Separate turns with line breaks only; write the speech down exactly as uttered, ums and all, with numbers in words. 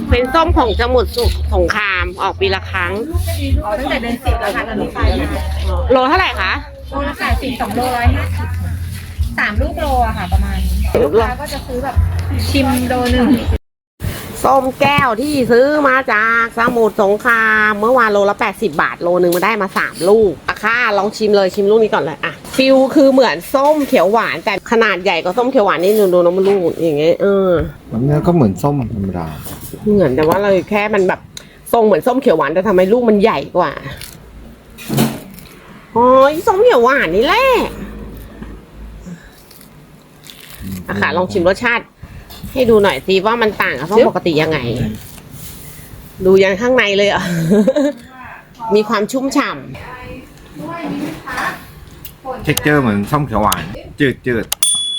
เป็นส้มของสมุทรสงครามออกปีละครั้ง
อ๋อตั้งแต่เดือนสิบแล้วค่ะตอนนี้ไปมา
โลเท่าไหร่คะ
โลละแปดสิบสองโลร้อยห้าสิบสามลูกโลอะค่ะประมาณนี้ลูกค้าก็จะซื้อแบบชิมโลหนึ่ง
ส้มแก้วที่ซื้อมาจากสมุทรสงครามเมื่อวานโลละแปดสิบบาทโลนึงมาได้มาสามลูกอะค่ะลองชิมเลยชิมลูกนี้ก่อนเลยอะฟิลคือเหมือนส้มเขียวหวานแต่ขนาดใหญ่กว่าส้มเขียวหวานนี่ดูดูน้ำมันลูกอย่างเงี้ยเออ
เนื้อก็เหมือนส้มธรรมดา
เหมือนแต่ว่าเราแค่มันแบบทรงเหมือนส้มเขียวหวานแต่ทำไมลูกมันใหญ่กว่าอ๋อส้มเขียวหวานนี่แหละอะค่ะลองชิมรสชาติให้ดูหน่อยสิว่ามันต่างกับส้มปกติยังไง ดูยังข้างในเลยอ่ะ มีความชุ่มฉ่ำ
เท็กเจอร์เหมือนส้มเขียวหวาน จืดจืด